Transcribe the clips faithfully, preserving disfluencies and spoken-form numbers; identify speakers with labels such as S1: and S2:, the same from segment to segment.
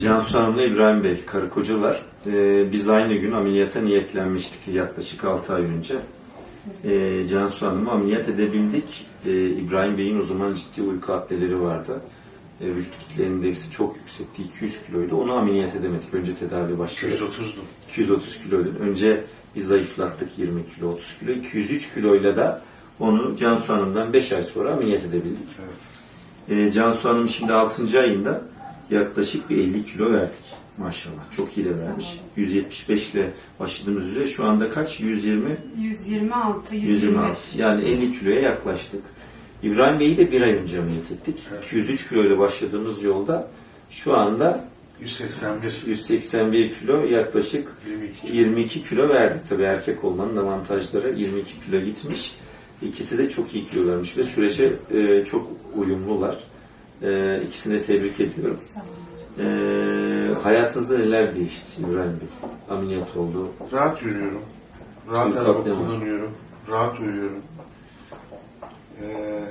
S1: Cansu Hanım'la İbrahim Bey, karı kocalar. Ee, biz aynı gün ameliyata niyetlenmiştik yaklaşık altı ay önce. Ee, Cansu Hanım'ı ameliyat edebildik. Ee, İbrahim Bey'in o zaman ciddi uyku apneleri vardı. Ee, vücut kitle indeksi çok yüksekti, iki yüz kiloydu. Onu ameliyat edemedik. Önce tedavi başladı.
S2: iki yüz otuzdu.
S1: iki yüz otuz kiloydu. Önce bir zayıflattık yirmi kilo, otuz kilo. iki yüz üç kiloyla da onu Cansu Hanım'dan beş ay sonra ameliyat edebildik.
S2: Evet.
S1: Ee, Cansu Hanım şimdi altıncı ayında yaklaşık bir elli kilo verdik. Maşallah. Çok iyi de vermiş. yüz yetmiş beş ile başladığımız üzere şu anda kaç? yüz yirmi?
S3: yüz yirmi altı, yüz yirmi beş.
S1: yüz yirmi altı. Yani elli kiloya yaklaştık. İbrahim Bey'i de bir ay önce ameliyat ettik.
S2: Evet.
S1: iki yüz üç kilo ile başladığımız yolda şu anda
S2: yüz seksen bir.
S1: yüz seksen bir kilo, yaklaşık
S2: yirmi iki.
S1: yirmi iki kilo verdik. Tabii erkek olmanın avantajları, yirmi iki kilo gitmiş. İkisi de çok iyi kilo vermiş ve sürece e, çok uyumlular. E, ikisini de tebrik ediyorum. E, hayatınızda neler değişti İbrahim Bey? Ameliyat oldu.
S2: Rahat yürüyorum. Rahat
S1: Uyku
S2: araba
S1: apne var.
S2: kullanıyorum. Rahat uyuyorum. Ee,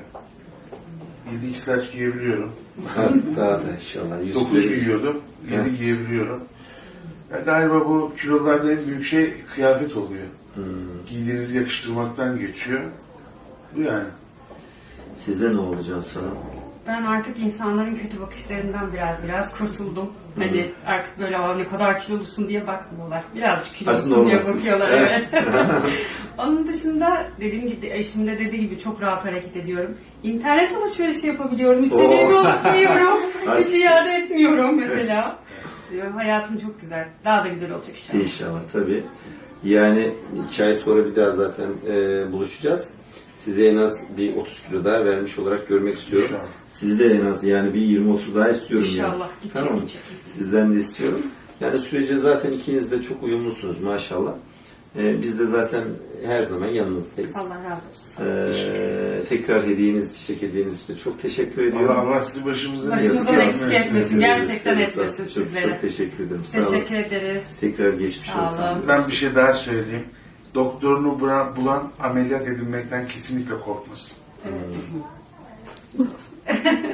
S2: yedi x large giyebiliyorum.
S1: Artık daha da inşallah. yüz
S2: dokuz
S1: kilo-
S2: giyiyordum.
S1: Evet.
S2: yedi giyebiliyorum. Ya galiba bu kilolarda en büyük şey kıyafet oluyor.
S1: Hmm.
S2: Giydiğinizi yakıştırmaktan geçiyor. Bu yani.
S1: Sizde ne olacak sana?
S3: Ben artık insanların kötü bakışlarından biraz biraz kurtuldum.
S1: Hı.
S3: Hani artık böyle "Aa, ne kadar kilolusun" diye bakmıyorlar. Birazcık
S1: Aslında
S3: kilolusun diye
S1: olmazsınız.
S3: bakıyorlar.
S1: Evet.
S3: Evet. Onun dışında dediğim gibi, eşim de dediği gibi çok rahat hareket ediyorum. İnternet alışverişi yapabiliyorum. İstediğimi
S1: Oo.
S3: alıp giyiyorum. Hiç
S1: Haklısın.
S3: iade etmiyorum mesela. Hayatım çok güzel. Daha da güzel olacak inşallah.
S1: İnşallah tabii. Yani iki ay sonra bir daha zaten e, buluşacağız. Size en az bir otuz kilo daha vermiş olarak görmek istiyorum.
S2: İnşallah.
S1: Sizi de en az yani bir yirmi otuz daha istiyorum.
S3: İnşallah.
S1: Yani.
S3: Gidecek,
S1: Tamam mı?
S3: gidecek.
S1: Sizden de istiyorum. Yani sürece zaten ikiniz de çok uyumlusunuz maşallah. E, biz de zaten her zaman yanınızdayız.
S3: Allah razı olsun.
S1: E, tekrar hediyeniz, çiçek hediyeniz için çok teşekkür ediyorum.
S2: Allah Allah sizi başımızdan
S3: Başımızdan
S2: eksik
S3: eksik etmesin. Gerçekten
S1: Çok-
S3: etmesin
S1: çok,
S3: sizlere.
S1: Çok teşekkür ederim. Sağ olun.
S3: Teşekkür ederiz.
S1: Tekrar geçmiş
S3: Sağ
S1: olsun.
S3: olun.
S2: Ben bir şey daha söyleyeyim. Doktorunu bura- bulan ameliyat edilmekten kesinlikle korkmasın.
S3: Evet.